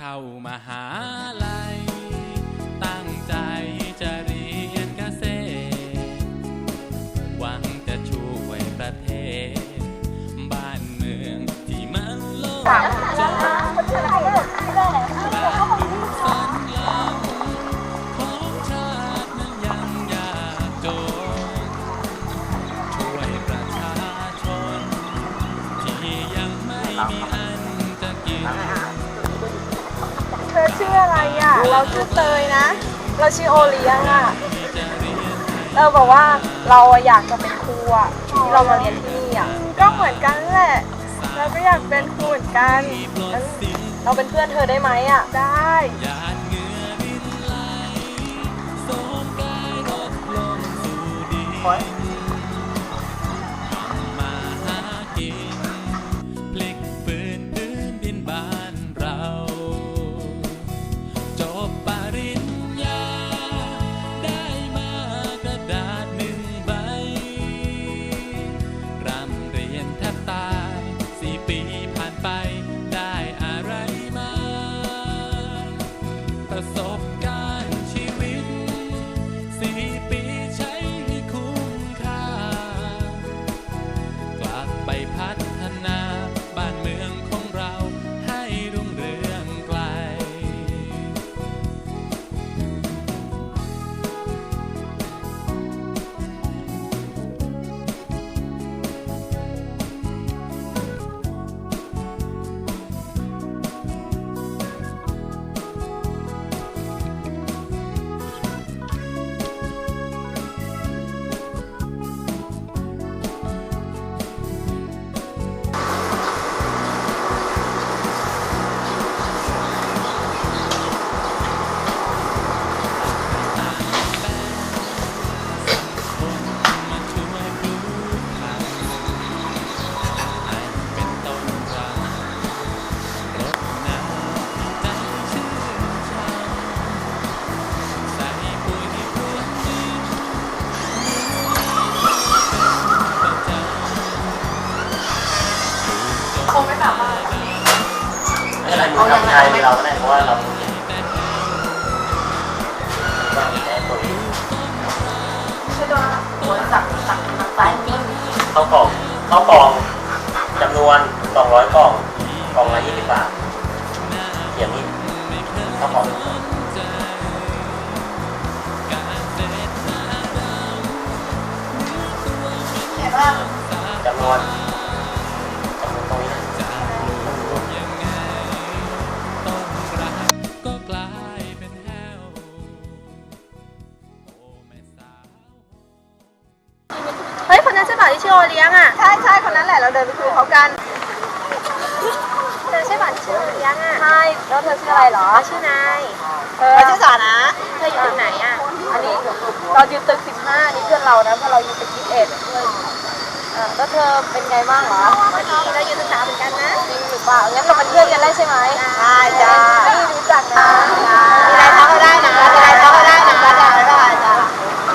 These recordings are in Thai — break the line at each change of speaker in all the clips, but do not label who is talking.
เข้ามหาลัยตั้งใจจะเรียนเกษตรหวังจะช่วยประเทศบ้านเมืองที่มันโลกจนบ้านดูสันหลังของชาตินั้นยังยากจนช่วยประชาชนที่ยังไม่มีอันจะกิน
เธอชื่ออะไรอ่ะเราชื่อเตยนะเราชื่อโอเลี้ยงอ่ะเราบอกว่าเราอยากจะเป็นครูอ่ะที่เรามาเรียนที่นี่อ่ะก็เหมือนกันแหละเราก็อยากเป็นครูเหมือนกันเราเป็นเพื่อนเธอได้ไหมอ่ะได้
ประสบการณ์ชีวิต4 ปีใช้ให้คุ้มค่ากลับไปพัฒนาบ้านเมืองของเราให้รุ่งเรืองไกล
คงไม่แบบว่า
ไม่เป็นไรมึงทำใจเราก็ได้เพราะว่าเราต้องเรียนตัวนี้
ใช่ด้วยหัวสั่งทางซ้ายมือ
เข้ากล่องจำนวน200 กล่องละ20 บาทเดี๋ยวนี้เข้ากล่องจำนวนตรงนี้
เฮ้ยคนนั้นใช่ป่ะที่ชื่อโอเลี้ยงอ่ะใช่คนนั้นแหละเราเดินไปคุยเขากันเธอใช่ป่ะที่ชื่อโอเลี้ยงอ่ะใช่แล้วเธอชื่ออะไรเหรอชื่อนายชื่อสานะเธออยู่ตึกไหนอ่ะอันนี้เราอยู่ตึก15นี่เพื่อนเรานะเพราะเราอยู่ตึก21แล้วเธอเป็นไงบ้างเหรอเราอยู่ศึกษาเหมือนกันนะจริงหรือเปล่างั้นเราเป็นเพื่อนกันได้ใช่ไหมใช่จ้าไม่รู้จักนะมีอะไรทักก็ได้นะมีอะไรทักก็ได้นะจ้า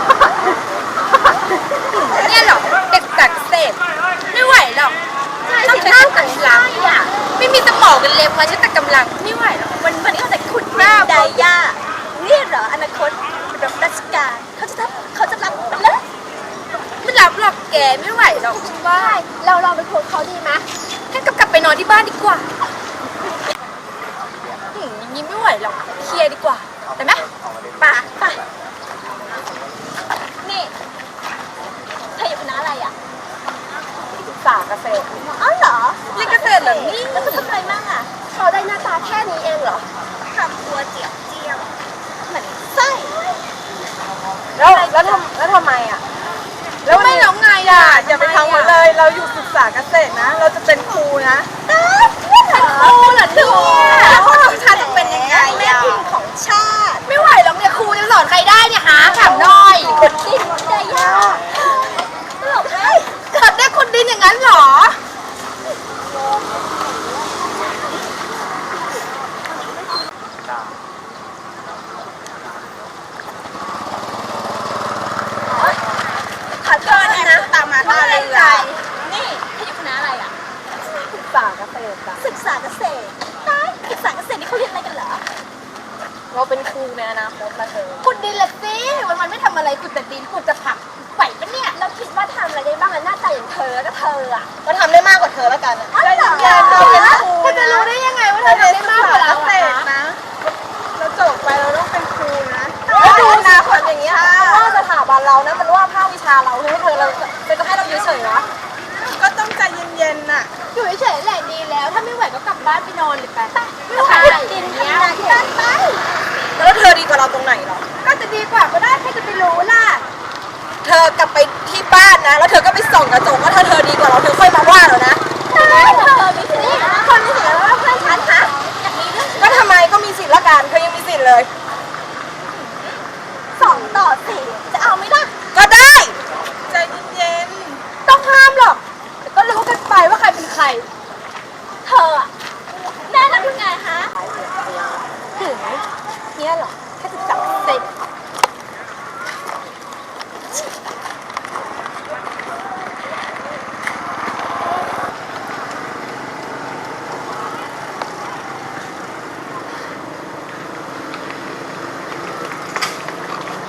เนี่ยหรอเด็กจากเศษไม่ไหวหรอกต้องใช้กำลังไม่มีสมองกันเลยมาใช้แต่กำลังไม่ไหวหรอกวันนี้เขาแต่ขุดบ้าไดย่าเนี่ยเหรออนาคตรับราชการเขาจะรับมันเลยไม่รับหรอกแกไม่ไหวหรอกฉันว่าเราลองไปโพสเขาดีไหมให้กลับไปนอนที่บ้านดีกว่าอย่างนี้ไม่ไหวหรอกเคลียร์ดีกว่าได้ไหมไปนี่เธออยู่คณะอะไรอ่ะ
ศึกษาเกษตร
อ๋อเหรอเรียนเกษตรเหรอนี่แล้วเขาทำอะไรบ้างอ่ะเขาได้หน้าตาแค่นี้เองเหรอทำตัวเจียวเหมือนไส้
แล้วทำไมอ่ะ
แล้วไม่ร้องไงอ่ะ
อย่าไปทำมันเลยเราอยู่ศึกษาเกษตรนะเราจะเป็นครูนะ
เป็นครูเหรอเนี่ยแล้วคนของชาติจะเป็นยังไงแม่พิมพ์ของชาติไม่ไหวหรอกเนี่ยครูจะสอนใครได้เนี่ยหาถามหน่อยคนดินได้ยากตลกให้เกิดได้คนดินอย่างนั้นเหรอขอโทษนะตามมาท่าเรือนี่ให้อยู่คณะอะไรอ่ะ
ศึกษาเกษตรจ้ะ
ศึกษาเกษตรศึกษาเกษตรนี่เขาเรียนอะไรกันเหรอ
เราเป็นครูในอนาคตนะเธอ
ขุดดินละสิวันๆไม่ทำอะไรขุดแต่ดินขุดแต่ผักไหวปะเนี่ยเราคิดว่าทำอะไรได้บ้างอะหน้าตาอย่างเธอก็เธออะ
ก็ทำได้มากกว่าเธอแล้วกันอะ
อ๋อเหรอ
เราเป็นครู
เธอจะรู้ได้ยังไงว่าเธอทำได้มากกว่าเราอะคะ
นะเราจบไปเราต้องเป็นครูนะแล้วดูอนาคตอย่างเงี้ยว่าสถาบันเรานะมันว่าภาควิชาเราให้เธอเราจะให้เราอยู่เฉยๆวะก็ต้องใจเย็นๆน่ะ
อยู่เฉยๆแหละดีแล้ว ถ้าไม่ไหวก็กลับบ้านไปนอนเลยไปไม่ไหวดินทำงานที่บ้านไป
แล้วเธอดีกว่าเราตรงไหนหรอ
ก็จะดีกว่าก็ได้ใครจะไปรู้ล่ะ
เธอกลับไปที่บ้านนะแล้วเธอก็ไปส่องกระจกว่าถ้าเธอดีกว่าเราเธอค่อยมาว่าเรานะ
เธอมีสิทธิ์คนมีสิทธิ์แล้วว่าเพื่อนฉันคะอยากมีเรื่อง
ก็ทำไมก็มีสิทธิ์ละกันเธอยังมีสิทธิ์เลย
2-4จะเอาไหมล่ะ
ก็ได้ใจเย็น
ต้องห้ามหรอกแต่ก็รู้กันไปว่าใครเป็นใคร เธออะแน่นอนยังไงฮะถึงเนี่ยเหรอแค่จะจับ